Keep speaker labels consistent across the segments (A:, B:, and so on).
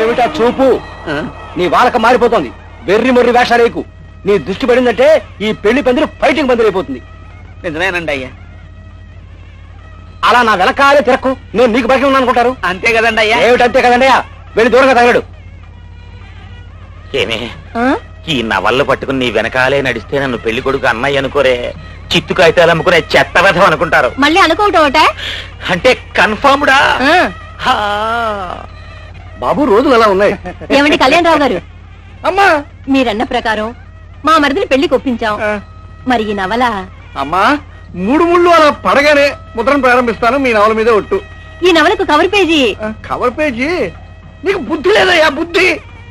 A: ఏమిటా చూపు? నీ వాళ్ళక మారిపోతుంది. వెర్రి మొర్రి వేషాలేకు. నీ దృష్టి పడిందంటే ఈ పెళ్లి పందిరి ఫైటింగ్ పందిరి అయిపోతుంది.
B: నిజమేనండి అయ్యా.
A: అలా నా వెనకాలే తిరక్కు. నేను నీకు బయట ఉన్నాను అనుకుంటారు.
B: అంతే కదండి అయ్యా.
A: ఏమిటంతే కదండి అయ్యా? వెళ్ళి దూరంగా తగలడు.
C: ఏమే ఈ నవళ్ళు పట్టుకుని నీ వెనకాలే నడిస్తే నన్ను పెళ్లి కొడుకు అన్నయ్య అనుకోరే, చిత్తు కాగితాలు అమ్ముకునే చెత్త వ్యధం అనుకుంటారు.
D: మళ్ళీ అనుకోవటం
C: అంటే కన్ఫర్మ్డా?
A: బాబు రోజులు అలా ఉన్నాయి.
D: ఏమండి కళ్యాణరావు గారు,
A: అమ్మా
D: మీరన్న ప్రకారం మా మరిదిని పెళ్లికి ఒప్పించాం. మరి ఈ నవల
A: అమ్మా 3 ముళ్ళు అలా పడగానే ముద్రను ప్రారంభిస్తాను. మీ నవల మీద ఒట్టు.
D: ఈ నవలకు కవర్ పేజీ.
A: Cover page? నీకు బుద్ధి లేదయ్యా బుద్ధి.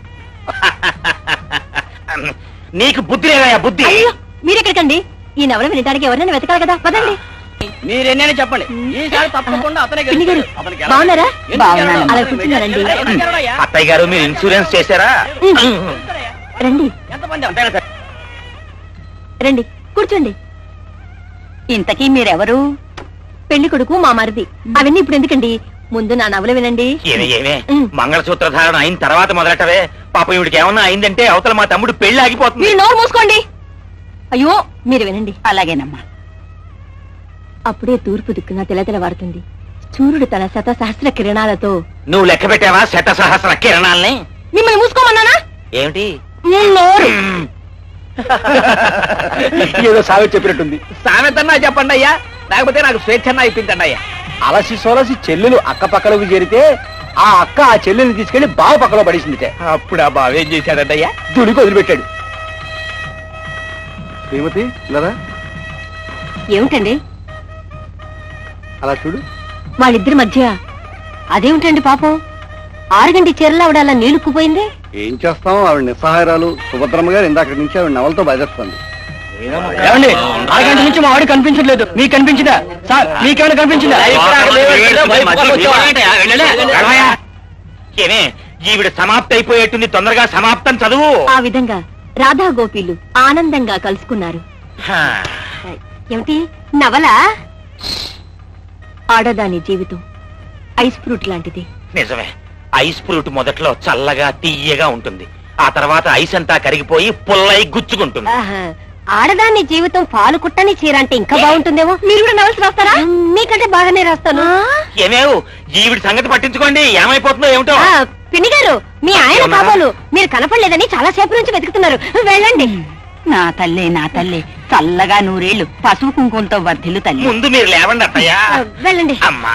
C: నీకు బుద్ధి లేదయ్యా బుద్ధి.
D: అయ్యో మీరెక్కడికండి? ఈ నవల వినడానికి ఎవరైనా వెతకాలి కదా, పదండి.
B: మీరెన్నైనా చెప్పండి, ఈసారి తప్పకుండా అతనే
D: పిన్ని గారు,
B: గెలుస్తాడు.
D: బాగున్నారా?
B: బాగున్నాను.
D: అలా కూర్చున్నారండి.
C: అత్తయ్య గారు మీరు ఇన్సూరెన్స్ చేశారా?
D: రండి
B: ఎంతమంది అంతేనా సార్?
D: రండి కూర్చోండి. ఇంతకీ మీరెవరు? పెళ్లి కొడుకు మా మరిది. అవన్నీ ఇప్పుడు ఎందుకండి, ముందు నా నవల వినండి.
C: ఏమే మంగళసూత్ర ధారణ అయిన తర్వాత మొదలెట్టవే. పాపం ఇవిడికి ఏమన్నా అయిందంటే అవతల మా తమ్ముడు పెళ్లి ఆగిపోతుంది.
D: మీరు నోరు మూసుకోండి. అయ్యో మీరు వినండి. అలాగేనమ్మా. అప్పుడే తూర్పు దిక్కున తెలతెలవారుతుంది. సూర్యుడు తన శతసహస్ర కిరణాలతో.
C: నువ్వు లెక్క పెట్టావా శత సహస్ర కిరణాల్ని?
D: మిమ్మల్ని మూసుకోమన్నానా?
C: ఏమిటి
D: నోరు.
A: ఏదో సామెత చెప్పినట్టుంది.
B: సామెతన్నా చెప్పండి అయ్యా, లేకపోతే నాకు స్వేచ్ఛన్నా ఇప్పించండి అయ్యా.
A: అలసి సోలసి చెల్లెలు అక్క పక్కలోకి చేరితే ఆ అక్క ఆ చెల్లెల్ని తీసుకెళ్లి బావ పక్కలో పడేసిందిటే.
B: అప్పుడు ఆ బావ ఏం చేశాడంటయ్యా?
A: దుడికి వదిలిపెట్టాడు. శ్రీమతి ఇలా
D: ఏమిటండి
A: అలా చూడు.
D: వాళ్ళిద్దరి మధ్య అదేమిటండి పాపం? 6 గంటల చీరలో ఆవిడ అలా నీళ్లుక్కుపోయింది.
A: ఏం చేస్తాం, ఆవిడ నిస్సహాయరాలు. సుభద్రమ్మ గారు ఇందాక నుంచి ఆవిడ నవలతో బయలుదేరుతుంది. ఏమండి 6 గంటల నుంచి మా ఆవిడ కనిపించట్లేదు. మీకు కనిపించిందా సార్? మీకేమైనా కనిపించిందా?
C: ఏమే ఈవిడ సమాప్తి అయిపోయేట్టుంది, తొందరగా సమాప్తం చదువు.
D: ఆ విధంగా రాధా గోపీలు ఆనందంగా కలుసుకున్నారు. ఏమిటి నవల? ఆడదాని జీవితం ఐస్ ఫ్రూట్ లాంటిది.
C: నిజమే, ఐస్ ఫ్రూట్ మొదట్లో చల్లగా తీయగా ఉంటుంది, ఆ తర్వాత ఐస్ అంతా కరిగిపోయి పుల్లై గుచ్చుకుంటుంది.
D: ఆడదాని జీవితం పాలు కుట్టని చీర అంటే ఇంకా బాగుంటుందేమో. మీరు కూడా నవల్స్ రాస్తారా? మీకంటే బాగానే రాస్తాను.
C: ఏమేవు ఈవిడ సంగతి పట్టించుకోండి, ఏమైపోతుందో ఏమిటో.
D: పిన్ని గారు, మీ ఆయన కాబోలు మీరు కనపడలేదని చాలా సేపు నుంచి వెతుకుతున్నారు. వెళ్ళండి. నా తల్లి నా తల్లి, చల్లగా 100 ఏళ్ళు పసుపు కుంకుమతో వర్ధిల్లు తల్లి.
C: ముందు మీరు లేవండి అత్తయ్య.
D: వెళ్ళండి.
C: అమ్మా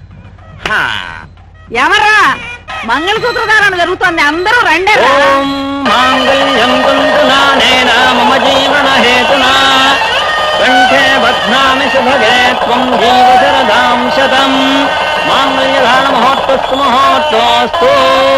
D: ఎవర్రా? మంగళసూత్ర ధారణ జరుగుతోంది, అందరూ రండి.
B: మాంగళ్యం తంతునానేన మమ జీవన హేతునా కంఠే బధ్నామి శుభగే త్వం జీవశరదాం శతం మాంగళ్యధారణ మహోత్తస్తు మహోత్తస్తు.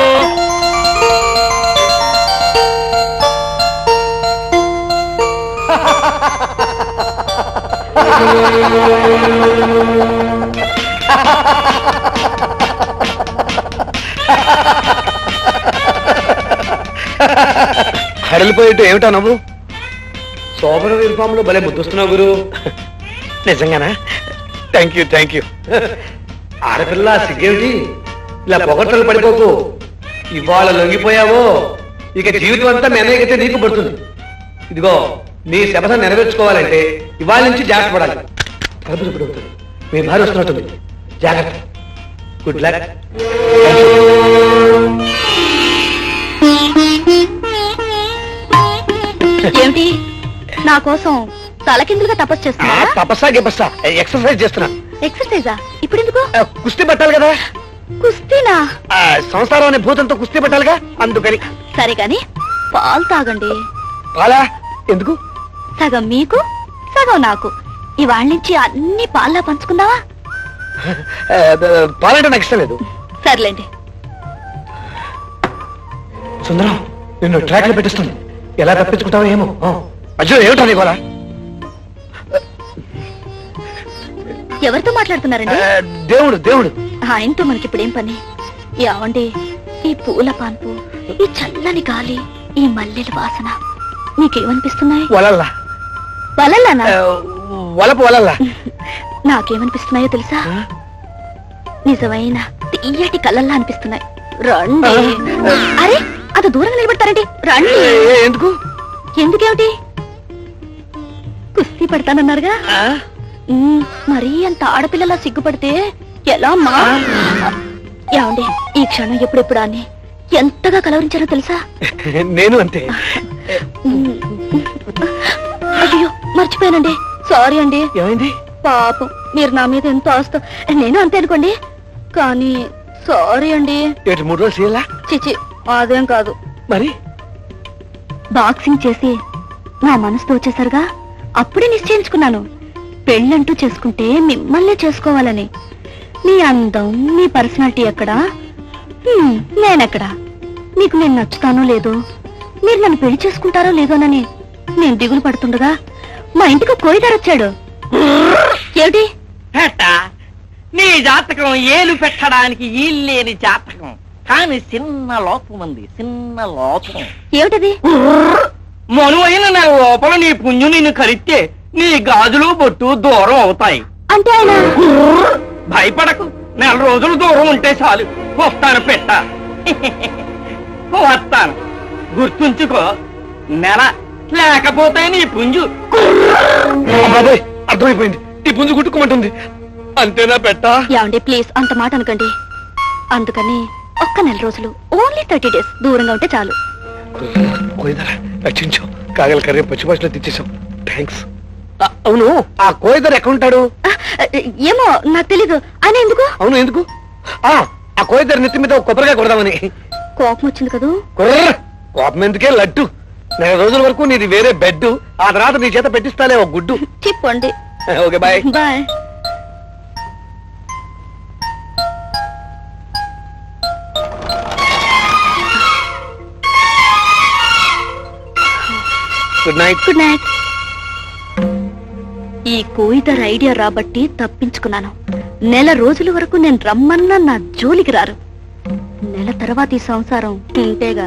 A: హడలిపోయేట్టు ఏమిటా నవ్వు? శోభన యూనిఫామ్ లో భలే ముద్దొస్తున్నావు గురు. నిజంగానా? Thank you. ఆడపిల్ల సిగ్గేమిటి? ఇలా పొగట్టలు పడిపోకు. ఇవాళ లొంగిపోయావో ఇక జీవితం అంతా మెనగైతే నీకు పడుతుంది. ఇదిగో నీ శపథం నెరవేర్చుకోవాలంటే ఇవాళ నుంచి జాగ్రత్త పడాలి. తలుపు ఇప్పుడు అవుతుంది, మీ భార్య వస్తున్నట్టుంది. జాగ్రత్త. Good luck.
D: ఏమిటి నా కోసం తలకిందులుగా తపస్సు చేస్తున్నా?
A: తపస్సా గిపస్సా ఎక్సర్సైజ్ చేస్తున్నా.
D: ఎక్సర్సైజా? ఇప్పుడు ఎందుకు?
A: కుస్తీ పట్టాలి కదా.
D: కుస్తీనా?
A: సంసారం అనే భూతంతో కుస్తీ పట్టాలిగా, అందుకని.
D: సరే కాని పాలు తాగండి.
A: పాలా? ఎందుకు?
D: సగం మీకు సగం నాకు. ఇవాళ నుంచి అన్ని పాల్లా పంచుకుందావా?
A: పాలంటే నాకు ఇష్టం లేదు.
D: సర్లేండి.
A: సుందరం నిన్ను ట్రాక్ లో పెట్టిస్తుంది. ఎలా తప్పించుకుంటావో ఏమో. అయ్యో ఏమిటా నీ గోల?
D: ఎవరితో మాట్లాడుతున్నారండి?
A: దేవుడు.
D: ఆయనతో మనకిప్పుడేం పని? ఏమండి, ఈ పూల పాన్పు, ఈ చల్లని గాలి, ఈ మల్లెల వాసన మీకేమనిపిస్తున్నాయి?
A: వలల్లా.
D: వలల్లానా?
A: వలపు వలల్లా.
D: నాకేమనిపిస్తున్నాయో తెలుసా? నిజమైన తీయటి కళ్ళల్లా అనిపిస్తున్నాయి. రండి. అరే అది దూరంగా నిలబడతారండి, రండి.
A: ఎందుకు?
D: ఎందుకేమిటి? కుస్తీ పడతానన్నారుగా. మరీ అంత ఆడపిల్లలా సిగ్గుపడితే ఎలా అమ్మా? ఏమండి, ఈ క్షణం ఎప్పుడెప్పుడు అని ఎంతగా కలవరించారో తెలుసా?
A: నేను అంతే.
D: అయ్యో మర్చిపోయానండి, సారీ అండి.
A: ఏమైంది?
D: పాపం మీరు నా మీద ఎంతో ఆస్త, నేను అంతే అనుకోండి, కానీ సారీ అండి.
A: 3 రోజులు చేయాలా?
D: చిచి అదేం కాదు.
A: మరి
D: బాక్సింగ్ చేసి నా మనసుతో వచ్చేసరిగా అప్పుడే నిశ్చయించుకున్నాను, పెళ్ళంటూ చేసుకుంటే మిమ్మల్నే చేసుకోవాలని. మీ అందం, మీ పర్సనాలిటీ ఎక్కడా, నేనెక్కడా? మీకు నేను నచ్చుతానో లేదో, మీరు నన్ను పెళ్లి చేసుకుంటారో లేదోనని నేను దిగులు పడుతుండగా మా ఇంటికి కోయిదారు వచ్చాడు. ఏమిటి?
B: నీ జాతకం ఏలు పెట్టడానికి ఈల్లేని జాతకం, కానీ చిన్న లోపం ఉంది, చిన్న లోపం.
D: ఏమిటది?
B: మనువైన నా లోపల నీ పుణ్యం నిన్ను కరిస్తే నీ గాజులు బొట్టు దూరం అవుతాయి.
D: అంటే ఆయన
B: భయపడకు, 4 రోజులు దూరం ఉంటే చాలు. వస్తాను పెట్ట, వస్తాను. గుర్తుంచుకో, నెల లేకపోతే నీ పుంజు.
A: బాబాయ్ అర్థమైపోయింది, ఈ పుంజు గుట్టుకోమంటుంది. అంతేనా పెట్ట?
D: ఏమండి ప్లీజ్ అంత మాట అనకండి. అందుకని ఒక్క 4 రోజులు, ఓన్లీ 30 డేస్ దూరంగా ఉంటే చాలు.
A: కోయిదరా రక్షించావు, కాగల కర్రీ పచ్చి భాషలో తెచ్చేసాం. థ్యాంక్స్. అవును, ఆ కోయిదర్ ఎక్కడ ఉంటాడు?
D: ఏమో నాకు తెలీదు. ఆయన ఎందుకు?
A: అవును ఎందుకు? ఆ కోయిదర్ నెత్తి మీద ఒక కొబ్బరిగా కొడదామని.
D: కోపం వచ్చింది కదూ?
A: కోపం ఎందుకే, లడ్డు. 4 రోజుల వరకు నీది వేరే బెడ్, ఆ తర్వాత నీ చేత పెట్టిస్తాలే ఒక గుడ్డు.
D: చెప్పండి.
A: Okay bye.
D: Bye.
A: Good night.
D: Good night. ఈ కోయిదర్ ఐడియా రాబట్టి తప్పించుకున్నాను. 4 రోజుల వరకు నేను రమ్మన్నా నా జోలికి రారు. నెల తర్వాత ఈ సంసారం ఇంతేగా.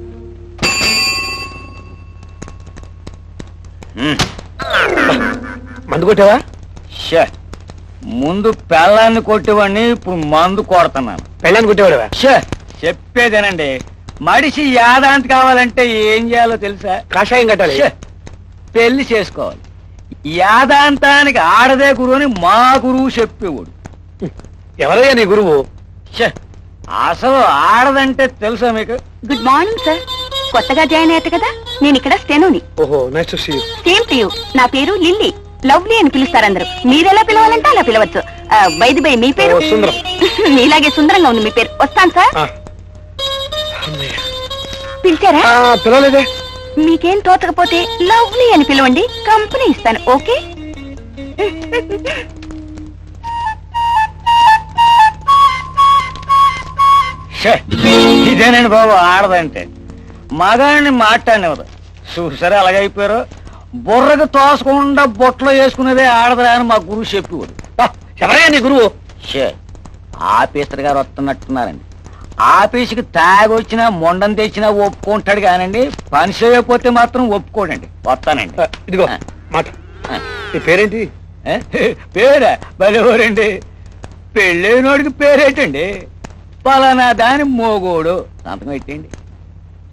A: మందు కొట్టావా?
B: ముందు పెళ్ళాన్ని కొట్టేవాడిని, ఇప్పుడు మందు కొడుతున్నాను.
A: పెళ్ళాన్ని కొట్టేవాడవా?
B: చెప్పేదేనండి, మడిసి యాదాంతి కావాలంటే ఏం చేయాలో తెలుసా?
A: కాషాయం కట్టాలి.
B: పెళ్లి చేసుకోవాలి. యాదాంతానికి ఆడదే గురువు అని మా గురువు చెప్పేవాడు.
A: ఎవరయ్యా నీ గురువు?
B: అసలు ఆడదంటే తెలుసా మీకు?
D: Good morning sir. కొత్తగా జాయిన్ అయ్యారు కదా, నేను ఇక్కడ స్టెనోని.
A: ఓహో, nice to see you.
D: Same to you. నా పేరు లిల్లీ, లవ్లీ అని పిలుస్తారు అందరూ. మీరెలా పిలవాలంటే అలా పిలవచ్చు. బైది బై మీ పేరు?
A: సుందరం.
D: మీలాగే సుందరంగా ఉంది మీ పేరు. వస్తాను సార్. పిలిచారా?
A: పిలవలేదే.
D: మీకేం తోచకపోతే లవ్లీ అని పిలవండి, కంపెనీ ఇస్తాను. ఓకే?
B: ఇదేనండి బాబు ఆడదంటే. మగాడిని మాట్లాడినవరు చూసారా అలాగైపోయారు. బుర్రకు తోసకుండా బొట్లో వేసుకునేదే ఆడదురా అని మా గురువు చెప్పేవాడు.
A: ఎవరయ్యా నీ గురువు?
B: ఆఫీసర్ గారు వస్తున్నట్టున్నారండి. ఆఫీసుకి తాగొచ్చినా మొండం తెచ్చినా ఒప్పుకుంటాడు కానండి, పని చేయకపోతే మాత్రం ఒప్పుకోడండి. వస్తానండి.
A: ఇదిగో మాట. నీ పేరేంటి?
B: పేరా బలెవరండి? పెళ్ళైనోడికి పేరేటండి? పలానా దాని మోగోడు. సంతకం పెట్టండి.